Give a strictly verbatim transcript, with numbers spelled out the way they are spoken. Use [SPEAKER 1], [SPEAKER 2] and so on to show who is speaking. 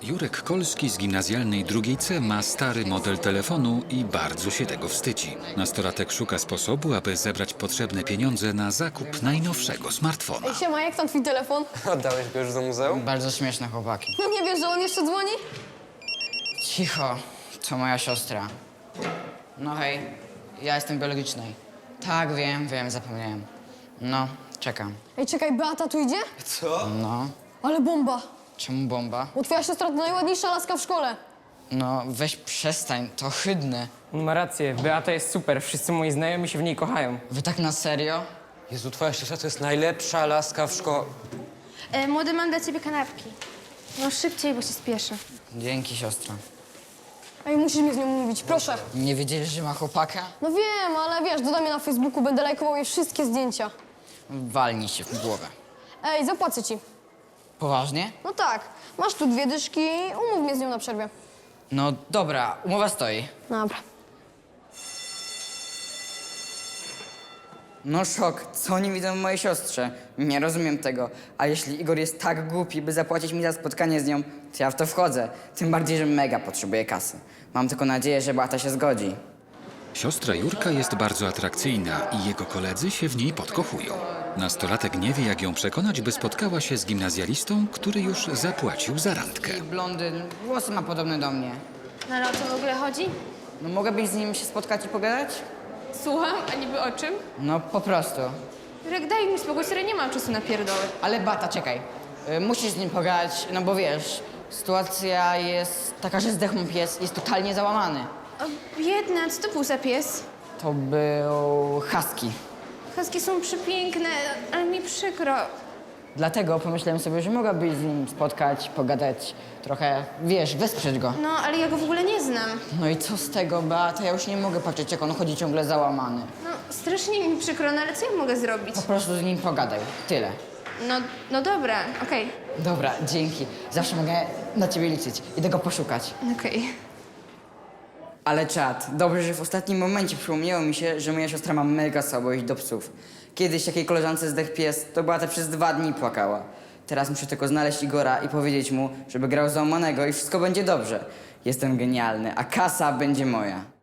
[SPEAKER 1] Jurek Kolski z gimnazjalnej drugiej C ma stary model telefonu i bardzo się tego wstydzi. Nastolatek szuka sposobu, aby zebrać potrzebne pieniądze na zakup najnowszego smartfona.
[SPEAKER 2] Siema, jak tam twój telefon?
[SPEAKER 3] Oddałeś go już do muzeum?
[SPEAKER 4] Bardzo śmieszne chłopaki.
[SPEAKER 2] No nie wiesz, że on jeszcze dzwoni?
[SPEAKER 4] Cicho, to moja siostra. No hej, ja jestem biologicznej. Tak, wiem, wiem, zapomniałem. No, czekam.
[SPEAKER 2] Ej, czekaj, Beata tu idzie?
[SPEAKER 3] Co?
[SPEAKER 4] No,
[SPEAKER 2] Ale bomba!
[SPEAKER 4] czemu bomba?
[SPEAKER 2] Bo twoja siostra to najładniejsza laska w szkole.
[SPEAKER 4] No, weź przestań, to ohydne.
[SPEAKER 5] On ma rację, Beata jest super, wszyscy moi znajomi się w niej kochają.
[SPEAKER 4] Wy tak na serio?
[SPEAKER 3] Jezu, twoja siostra to jest najlepsza laska w szkole.
[SPEAKER 6] E, młody, mam dla ciebie kanapki. No szybciej, bo się spieszę.
[SPEAKER 4] Dzięki, siostra.
[SPEAKER 2] Ej, musisz mnie z nią mówić, proszę.
[SPEAKER 4] Nie wiedzieliś, że ma chłopaka?
[SPEAKER 2] No wiem, ale wiesz, dodam mnie na Facebooku, będę lajkował jej wszystkie zdjęcia.
[SPEAKER 4] Walnij się w głowę.
[SPEAKER 2] Ej, zapłacę ci.
[SPEAKER 4] Poważnie?
[SPEAKER 2] No tak, masz tu dwie dyszki, umów mnie z nią na przerwie.
[SPEAKER 4] No dobra, umowa stoi.
[SPEAKER 2] Dobra.
[SPEAKER 4] No szok, co oni widzą w mojej siostrze? Nie rozumiem tego. A jeśli Igor jest tak głupi, by zapłacić mi za spotkanie z nią, to ja w to wchodzę. Tym bardziej, że mega potrzebuję kasy. Mam tylko nadzieję, że Beata się zgodzi.
[SPEAKER 1] Siostra Jurka jest bardzo atrakcyjna i jego koledzy się w niej podkochują. Nastolatek nie wie, jak ją przekonać, by spotkała się z gimnazjalistą, który już zapłacił za randkę.
[SPEAKER 4] Blondyn, włosy ma podobne do mnie.
[SPEAKER 6] No ale o co w ogóle chodzi?
[SPEAKER 4] No mogłabyś z nim się spotkać i pogadać?
[SPEAKER 6] Słucham, a niby o czym?
[SPEAKER 4] No po prostu.
[SPEAKER 6] Rek, daj mi spokój, serio, nie mam czasu na pierdoły.
[SPEAKER 4] Ale Bata, czekaj. Y, musisz z nim pogadać, no bo wiesz, sytuacja jest taka, że zdechł mu pies, jest totalnie załamany.
[SPEAKER 6] O, biedna, co to był za pies?
[SPEAKER 4] To był husky.
[SPEAKER 6] Husky są przepiękne, ale mi przykro.
[SPEAKER 4] Dlatego pomyślałem sobie, że mogłabyś z nim spotkać, pogadać, trochę, wiesz, wesprzeć go.
[SPEAKER 6] No, ale ja go w ogóle nie znam.
[SPEAKER 4] No i co z tego, Beata? Ja już nie mogę patrzeć, jak on chodzi ciągle załamany.
[SPEAKER 6] No, strasznie mi przykro, no ale co ja mogę zrobić?
[SPEAKER 4] Po prostu z nim pogadaj. Tyle.
[SPEAKER 6] No, no dobra, okej,
[SPEAKER 4] Dobra, dzięki. Zawsze mogę na ciebie liczyć. Idę go poszukać.
[SPEAKER 6] okej.
[SPEAKER 4] Ale czad, dobrze, że w ostatnim momencie przypomniało mi się, że moja siostra ma mega słabość do psów. Kiedyś jakiej koleżance zdechł pies, to Beata przez dwa dni płakała. Teraz muszę tylko znaleźć Igora i powiedzieć mu, żeby grał załamanego i wszystko będzie dobrze. Jestem genialny, a kasa będzie moja.